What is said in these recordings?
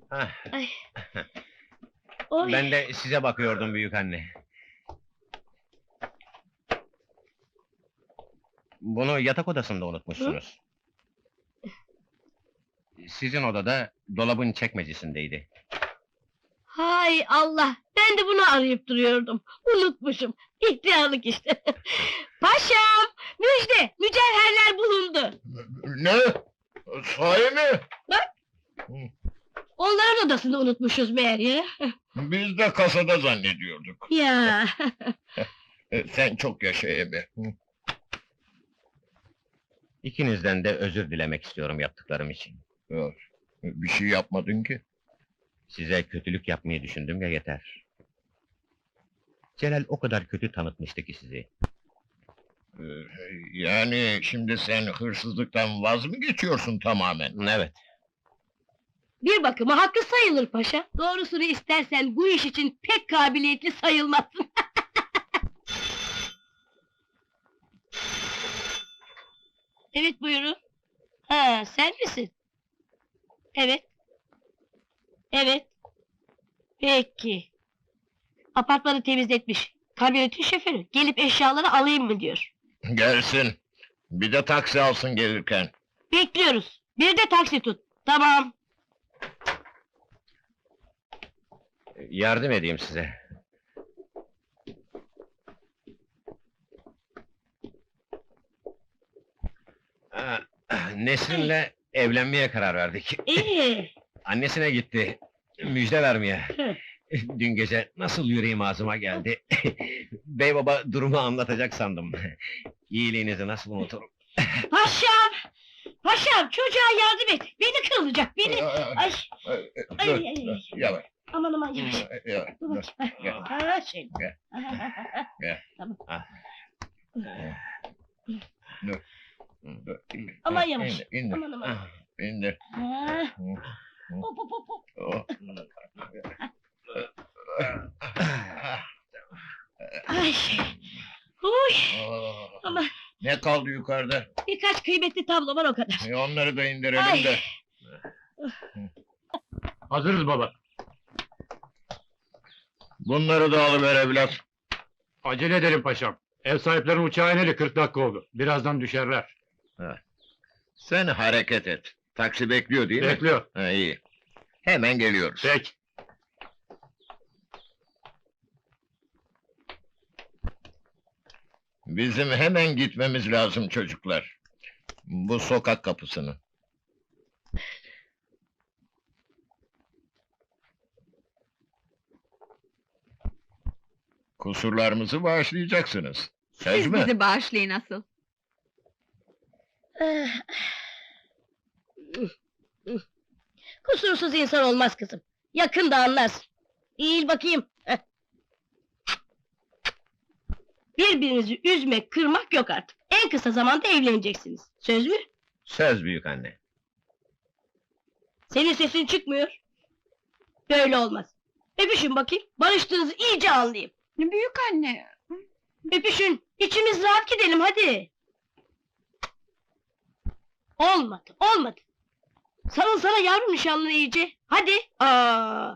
Hah, Ay. Oy. ben de size bakıyordum büyük anne. Bunu yatak odasında unutmuşsunuz. Sizin odada dolabın çekmecesindeydi. Hay Allah! Ben de bunu arayıp duruyordum. Unutmuşum. İhtiyarlık işte. Paşam! Müjde! Mücevherler bulundu. Ne? Sahi mi? Onların odasında unutmuşuz meğer ya. Biz de kasada zannediyorduk. Ya! Sen çok yaşa Ebe. İkinizden de özür dilemek istiyorum yaptıklarım için. Yok, bir şey yapmadın ki. Size kötülük yapmayı düşündüm ya yeter. Celal o kadar kötü tanıtmıştı ki sizi. Ee, Yani şimdi sen hırsızlıktan vaz mı geçiyorsun tamamen? Evet, Bir bakıma hakkı sayılır paşa. Doğrusunu istersen bu iş için pek kabiliyetli sayılmazsın. Evet buyurun. Ha sen misin? Evet. Evet. Peki. Apartmanı temizletmiş. Kamyonetin şoförü. Gelip eşyaları alayım mı diyor. Gelsin. Bir de taksi alsın gelirken. Bekliyoruz. Bir de taksi tut. Tamam. yardım edeyim size. Nesrin'le evlenmeye karar verdik. İyi. Annesine gitti, müjde vermeye. Hı. Dün gece nasıl yüreğim ağzıma geldi. Bey baba durumu anlatacak sandım. İyiliğinizi nasıl unuturum? Paşam! Paşam çocuğa yardım et. Beni kırılacak beni. Ay. Ay, Dur, ay, ay. yavaş. Aman aman yavaş. Yavaş. Dur Dur. bakayım. Gel. Ha şey. Gel. Gel. Tamam. Dur. Dur. Aman yavaş. İndir, indir. Aman aman. İndir. Ha. Hı. Hop hop hop hop. Oh. Ay. Uy. Oh. Aman. Ne kaldı yukarıda? Birkaç kıymetli tablo var o kadar. Onları da indirelim Ay. de. Hazırız baba. Bunları da alıver evlat. Acele edelim paşam. Ev sahiplerinin uçağı ineli 40 dakika oldu. Birazdan düşerler. Sen hareket et. Taksi bekliyor değil mi? Bekliyor. Ha, iyi. Hemen geliyoruz. Peki. Bizim hemen gitmemiz lazım çocuklar. Bu sokak kapısını. Kusurlarımızı bağışlayacaksınız. Söz Siz mü? bizi bağışlayın asıl. Kusursuz insan olmaz kızım. Yakında anlarsın. Eğil bakayım. Heh. Birbirinizi üzmek, kırmak yok artık. En kısa zamanda evleneceksiniz. Söz mü? Söz büyük anne. Senin sesin çıkmıyor. Böyle olmaz. Öpüşün bakayım. Barıştığınızı iyice anlayayım. Büyük anne. Öpüşün. İçimiz rahat gidelim hadi. Olmadı, olmadı. Sarılsana yavrum nişanlına iyice. Hadi. Aa.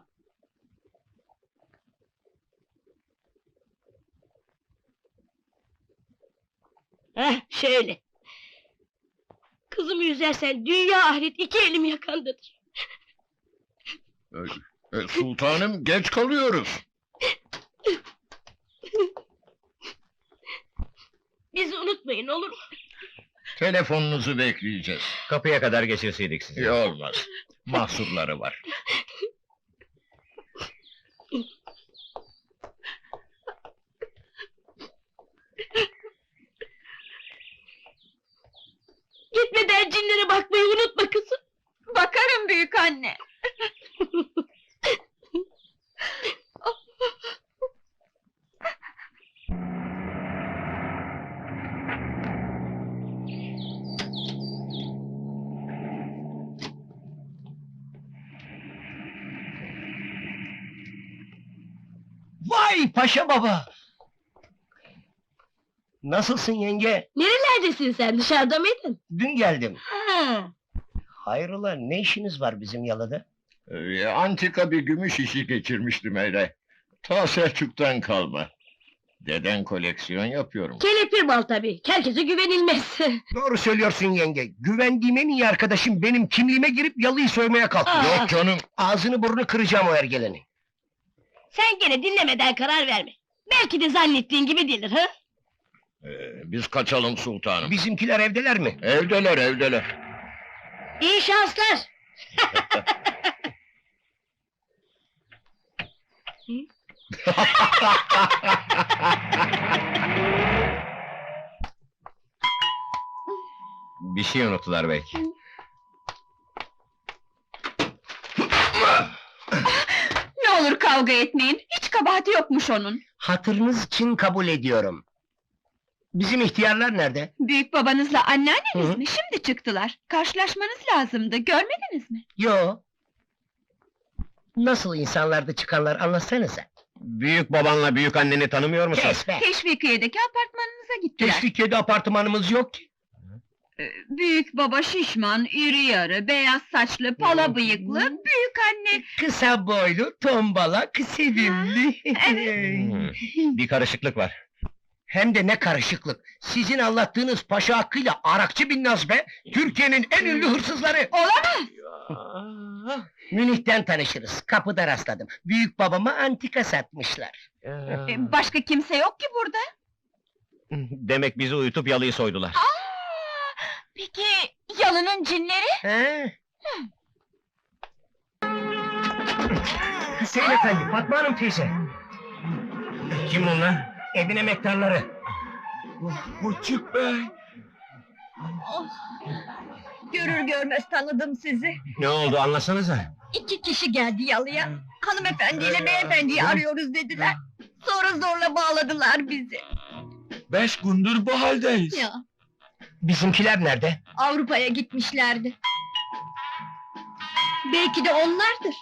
Heh, şöyle. Kızımı üzersen dünya ahiret iki elim yakandadır. Sultanım geç kalıyoruz. Bizi unutmayın olur mu? Telefonunuzu bekleyeceğiz. Kapıya kadar geçirseydik sizi. İyi olmaz. Mahsurları var. Gitmeden cinlere bakmayı unutma kızım. Bakarım büyük anne. Vay paşa baba! Nasılsın yenge? Nerelerdesin sen dışarıda mıydın? Dün geldim. Ha. Hayrola ne işiniz var bizim yalıda? Antika bir gümüş işi geçirmiştim öyle. Ta Selçuk'tan kalma. Deden koleksiyon yapıyorum. Kelepir bal tabii. Herkese güvenilmez. Doğru söylüyorsun yenge. Güvendiğim en iyi arkadaşım benim kimliğime girip yalıyı soymaya kalktı. Aa. Yok canım. Ağzını burnunu kıracağım o ergeleni. Sen gene dinlemeden karar verme. Belki de zannettiğin gibi değildir, ha? Biz kaçalım sultanım. Bizimkiler evdeler mi? Evdeler, evdeler. İyi şanslar. Bir şey unuttular belki. Ne olur kavga etmeyin. Hiç kabahati yokmuş onun. Hatırınız için kabul ediyorum. Bizim ihtiyarlar nerede? Büyük babanızla anneanneniz Hı. mi? Şimdi çıktılar. Karşılaşmanız lazımdı. Görmediniz mi? Yo. Nasıl insanlardı çıkanlar anlatsanıza. Büyük babanla büyük anneni tanımıyor musun? Kes be! Teşvikiye'deki apartmanınıza gittiler. Teşvikiye'de apartmanımız yok ki. Büyük baba şişman, iri yarı, beyaz saçlı, pala bıyıklı, büyük anne. Kısa boylu, tombalak, sevimli. Bir karışıklık var. Hem de ne karışıklık. Sizin anlattığınız Paşa Hakkı'yla Arakçı Binnaz be! Türkiye'nin en ünlü hırsızları! Olamaz! Münih'ten tanışırız. Kapıda rastladım. Büyük babama antika satmışlar. Başka kimse yok ki burada. Demek bizi uyutup yalıyı soydular. Peki, yalının cinleri? He? Hüseyin Efendi, Fatma Hanım teyze. Kim bunlar? Evin emektarları. Küçük bey. Görür görmez tanıdım sizi. Ne oldu anlasanıza. 2 kişi geldi yalıya. Hanımefendiyle beyefendiyi arıyoruz dediler. Sonra zorla bağladılar bizi. 5 gündür bu haldeyiz. Ya, Bizimkiler nerede? Avrupa'ya gitmişlerdi. Belki de onlardır.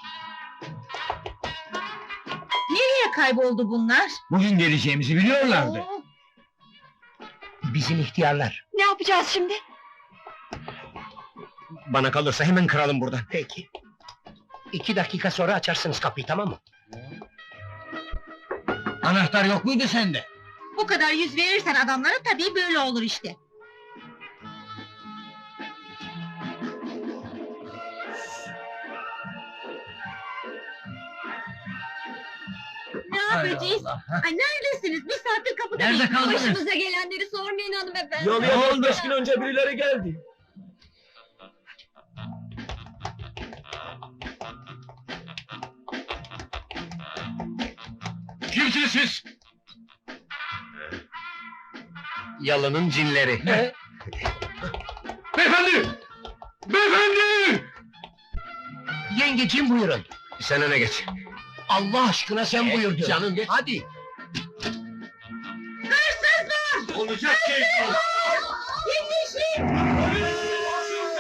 Nereye kayboldu bunlar? Bugün geleceğimizi biliyorlardı. Bizim ihtiyarlar. Ne yapacağız şimdi? Bana kalırsa hemen kıralım buradan. Peki. 2 dakika sonra açarsınız kapıyı, tamam mı? Anahtar yok muydu sende? Bu kadar yüz verirsen adamlara tabii böyle olur işte. Ne yapacağız? Ay neredesiniz? Bir saattir kapıda Nerede bekliyoruz. kaldınız? Başımıza gelenleri sormayın hanımefendi. Yalıya 15 gün önce birileri geldi. Kimsiniz siz? Yalının cinleri. Beyefendi! Beyefendi! Yengeciğim buyurun. Sen öne geç. Allah aşkına sen buyur diyorum. canım, geç. Hadi. Olacak şey yok. Yetişin!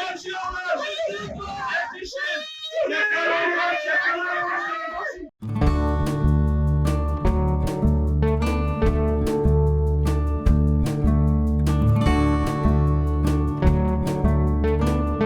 Yetişin! Yetişin!